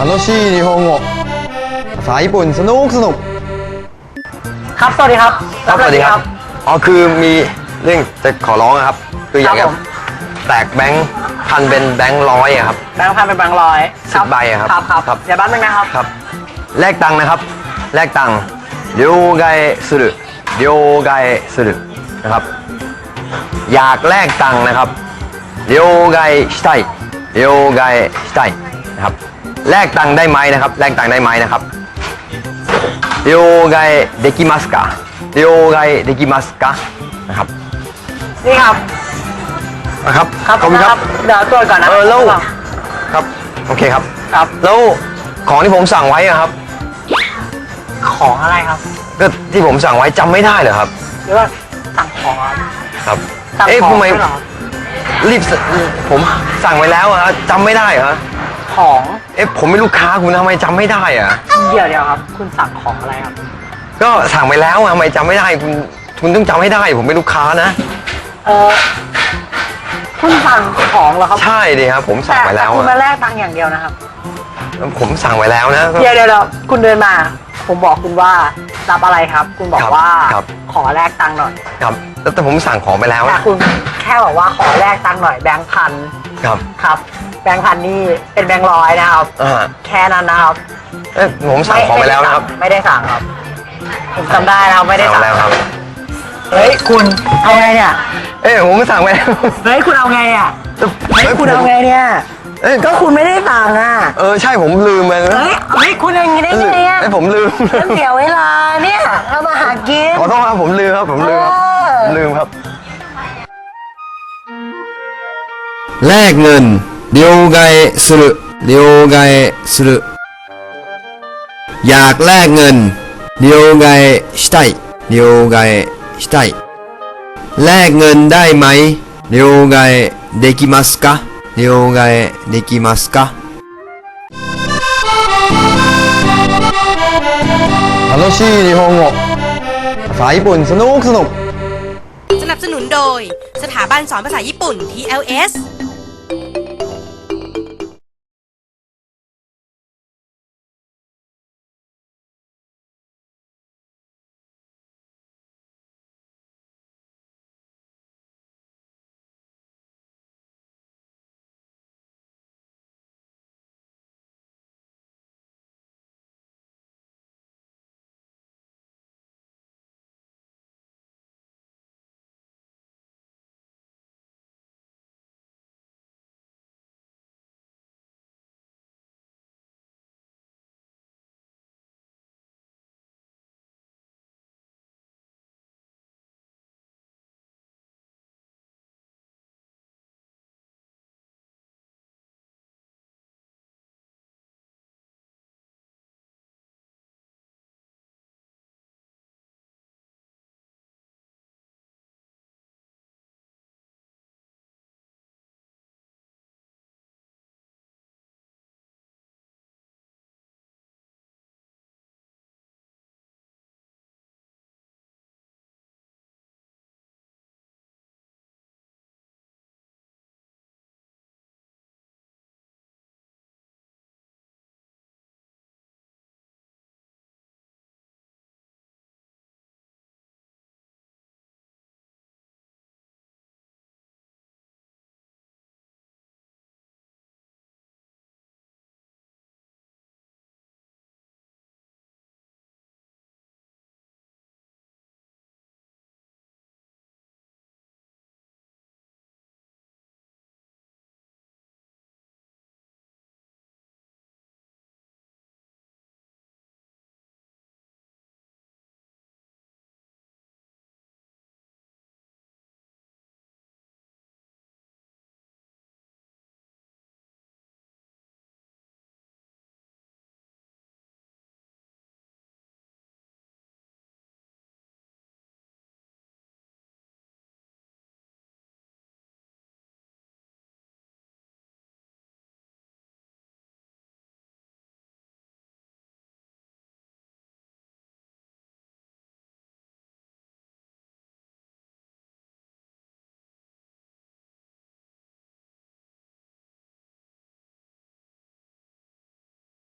楽しい日本語ภาษาญี่ปุ่นสนุกครับสวัสดีครับครับสวัสดีครับอ๋อคือมีเรื่องจะขอร้องครับคืออยากจะแตกแบงค์พันเป็นแบงค์ร้อยครับแบงค์พันเป็นแบงค์ร้อย 10ใบครับครับเดี๋ยวแป๊บนึงนะครับครับแลกตังค์นะครับแลกตังค์両替する両替するนะครับอยากแลกตังค์นะครับ両替したい両替したいนะครับแลกตังค์ได้ไหมนะครับแลกตังค์ได้ไหมนะครับ両替できますか両替できますかนะครับนี่ครับนะครับครับขอบคุณครับเดี๋ยวตรวจก่อนนะแล้วครับโอเคครับครับแล้วของที่ผมสั่งไว้อะครับของอะไรครับก็ที่ผมสั่งไว้จำไม่ได้เหรอครับหรือว่าสั่งของครับครับสั่งเอ๊ะของทำไมด้วยเหรอรีบผมสั่งไว้แล้วอะจำไม่ได้เหรอของเอ๊ะผมเป็นลูกค้าคุณทำไมจำไม่ได้อะเดี๋ยวครับ คุณสั่งของอะไรครับก็สั่งไปแล้วอะทำไมจำไม่ได้คุณต้องจำให้ได้ผมเป็นลูกค้านะคุณสั่งของเหรอครับใช่ดิครับผมสั่งไว้แล้วต่คุณอะมาแลกตังค์อย่างเดียวนะครับผมสั่งไว้แล้วนะเดี๋ยวคุณเดินมา ผมบอกคุณว่ารับอะไรครับ คุณบอกว่าครับขอแลกตังค์หน่อยครับแต่ผมสั่งของไปแล้วแต่นะคุณแค่บอกว่าขอแลกตังค์หน่อยแบงค์พันครับครับ แบงค์พันนี่เป็นแบงค์ร้อยนะครับ แค่นั้นนะครับเอ๊ะผมสั่งของไปแล้วนะครับไม่ได้สั่งครับ ผมจำได้นะครับไม่ได้สั่งสั่งแล้วครับเฮ้ยคุณเอาไงเนี่ยเอ๊ะผมสั่งไปแล้วเฮ้ยคุณเอาไงอ่ะเฮ้ยคุณเอาไงเนี่ยเอ๊ะก็คุณไม่ได้สั่งอ่ะใช่ผมลืมไปนะเฮ้ยคุณอย่างนี้ได้ไงอ่ะเอ้ยผมลืมมันเสียเวลาเนี่ยเรามาหากินขอโทษครับผมลืมครับผมลืมครับลืมครับแลกเงิน両替する両替するอยากแลกเงิน両替したい両替したいแลกเงินได้ไหม両替できますか両替できますか楽しい日本語ภาษาญี่ปุ่นสนุกสนับสนุนโดยสถาบันสอนภาษาญี่ปุ่น TLS